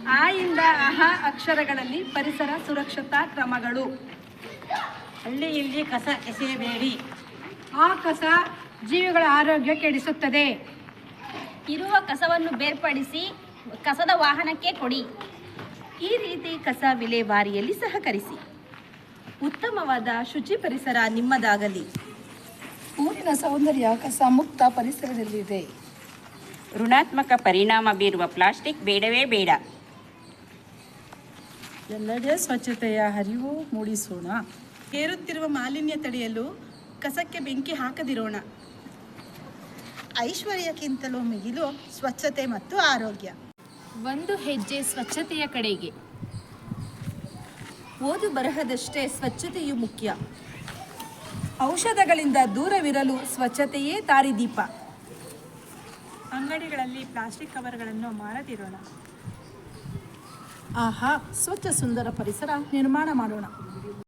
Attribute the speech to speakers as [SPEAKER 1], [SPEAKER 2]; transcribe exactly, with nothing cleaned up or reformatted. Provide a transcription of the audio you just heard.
[SPEAKER 1] ಆ ಇಂದ ಅಹ ಅಕ್ಷರಗಳಲ್ಲಿ ಪರಿಸರ ಸುರಕ್ಷತಾ ಕ್ರಮಗಳು.
[SPEAKER 2] ಹಳ್ಳಿಯಲ್ಲಿ ಕಸ ಎಸೆಯಬೇಡಿ.
[SPEAKER 1] ಆ ಕಸ ಜೀವಿಗಳ ಆರೋಗ್ಯ ಕೆಡಿಸುತ್ತದೆ.
[SPEAKER 3] ಇರುವ ಕಸವನ್ನು ಬೇರ್ಪಡಿಸಿ ಕಸದ ವಾಹನಕ್ಕೆ ಕೊಡಿ.
[SPEAKER 4] ಈ ರೀತಿ ಕಸ ವಿಲೇವಾರಿಯಲ್ಲಿ ಸಹಕರಿಸಿ. ಉತ್ತಮವಾದ ಶುಚಿ ಪರಿಸರ ನಿಮ್ಮದಾಗಲಿ.
[SPEAKER 1] ಊರಿನ ಸೌಂದರ್ಯ ಕಸ ಮುಕ್ತ ಪರಿಸರದಲ್ಲಿದೆ.
[SPEAKER 5] ಋಣಾತ್ಮಕ ಪರಿಣಾಮ ಬೀರುವ ಪ್ಲಾಸ್ಟಿಕ್ ಬೇಡವೇ ಬೇಡ.
[SPEAKER 1] ಎಲ್ಲೆಡೆ ಸ್ವಚ್ಛತೆಯ ಹರಿವು ಮೂಡಿಸೋಣ.
[SPEAKER 6] ಏರುತ್ತಿರುವ ಮಾಲಿನ್ಯ ತಡೆಯಲು ಕಸಕ್ಕೆ ಬೆಂಕಿ ಹಾಕದಿರೋಣ.
[SPEAKER 7] ಐಶ್ವರ್ಯಕ್ಕಿಂತಲೂ ಮಿಗಿಲು ಸ್ವಚ್ಛತೆ ಮತ್ತು ಆರೋಗ್ಯ.
[SPEAKER 8] ಒಂದು ಹೆಜ್ಜೆ ಸ್ವಚ್ಛತೆಯ ಕಡೆಗೆ.
[SPEAKER 4] ಓದು ಬರಹದಷ್ಟೇ ಸ್ವಚ್ಛತೆಯು ಮುಖ್ಯ.
[SPEAKER 1] ಔಷಧಗಳಿಂದ ದೂರವಿರಲು ಸ್ವಚ್ಛತೆಯೇ ದಾರಿದೀಪ.
[SPEAKER 6] ಅಂಗಡಿಗಳಲ್ಲಿ ಪ್ಲಾಸ್ಟಿಕ್ ಕವರ್ಗಳನ್ನು ಮಾರದಿರೋಣ.
[SPEAKER 1] ಆಹಾ, ಸ್ವಚ್ಛ ಸುಂದರ ಪರಿಸರ ನಿರ್ಮಾಣ ಮಾಡೋಣ.